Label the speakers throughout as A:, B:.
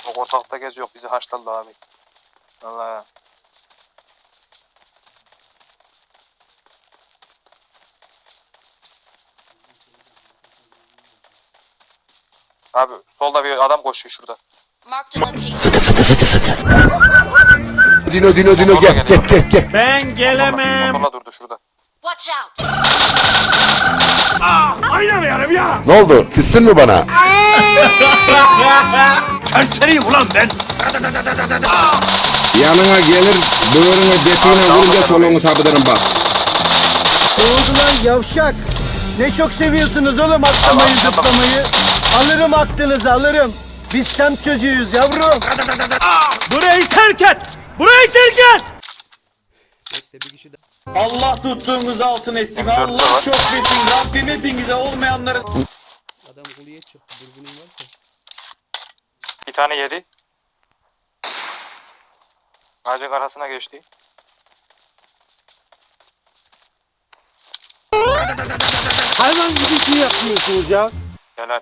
A: O ortalıkta geziyor, bizi haşladı abi. Vallahi. Abi solda bir adam koşuyor şurada.
B: Marked a location.
C: Dino gel.
D: Ben gelemem.
A: Motorla durdu şurada.
B: Watch out.
D: Oynamıyorum ya.
C: Ne oldu? Küstün mü bana?
D: Serseriyim ulan ben.
E: Yanına gelir, böğrüne detiğine vurunca soluğunu sabıdırım bak.
F: Ne oldu lan yavşak? Ne çok seviyorsunuz oğlum atlamayı zıplamayı. Alırım aklınızı alırım. Biz semt çocuğuyuz yavrum.
D: Burayı terk et. Burayı terk et.
G: Allah tuttuğunuz altın etsin.
A: M4'te var.
G: Allah çok besin. Rabbim hepinize olmayanların...
H: Adam kuleye çıktı. Dürbünün varsa.
A: Bir tane yedi. Ağacın arasına geçti.
F: Hayvan gibi şey yapıyorsunuz ya.
A: Helal.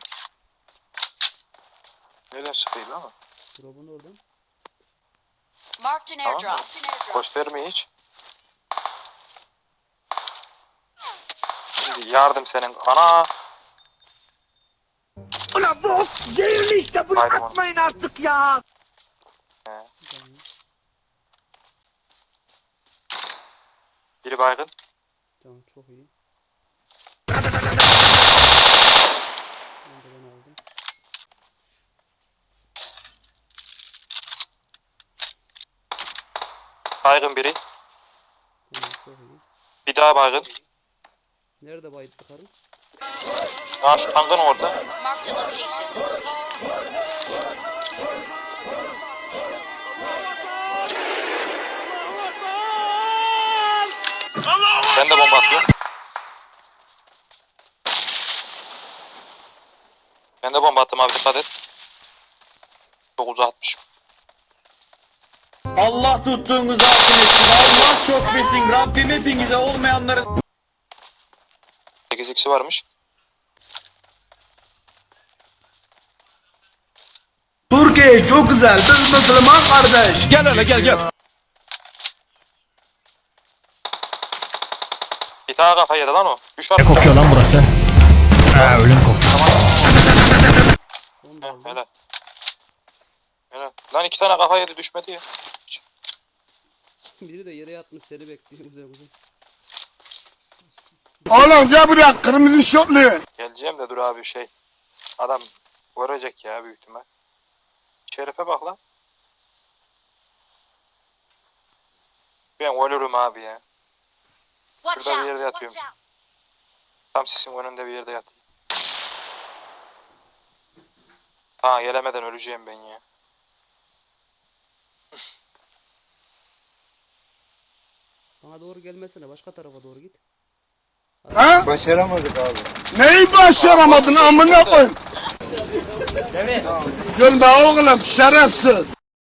A: Nereden sıkıyor ama?
H: Drop'un oradan.
B: Marked an
A: Tamam.
B: airdrop.
A: Göstermiyor hiç. Şimdi yardım senin. Ana.
D: Ulan bu ok zehirli işte. Bunu
A: Haydi
D: atmayın artık ya.
A: Biri baygın.
H: Tamam çok iyi. Onu da ben aldım.
A: Baygın biri.
H: Tamam çok iyi.
A: Bir daha baygın.
H: Nerede baydı karım?
A: Aa şu tankın orada.
B: Marked a location.
A: Ben de bomba atıyorum. Ben de bomba attım abi, dikkat et. Çok uzatmışım.
G: Allah tuttuğunuz altın etsin. Allah çok besin. Rabbim hepinize olmayanların...
A: 8x'i varmış.
G: Türkiye çok güzel. Biz Müslüman kardeş.
C: Gel hele gel.
A: Bir tane kafa yedi lan o. Düş var.
D: Ne kokuyor lan burası? Ha ölüm kokuyor.
H: Onu da
A: Heh,
H: aldım.
A: helal. Helal. Lan iki tane kafa yedi, düşmedi ya.
H: Biri de yere yatmış seni bekliyor güzel güzel.
C: Oğlum gel buraya kırmızı şortlu.
A: Geleceğim de dur abi şey. Adam vuracak ya büyük ihtimal. Şerife bak lan. Ben ölürüm abi ya.
B: Watch
A: Şurada bir
B: out.
A: yerde
B: Watch
A: yatıyorum.
B: out.
A: Tam sisin önünde bir yerde yatayım. Ha gelemeden öleceğim ben ya.
H: Bana doğru gelmesene başka tarafa doğru git.
C: Ha? Başaramadık abi. Neyi başaramadın amına koy? Gülme oğlum şerefsiz.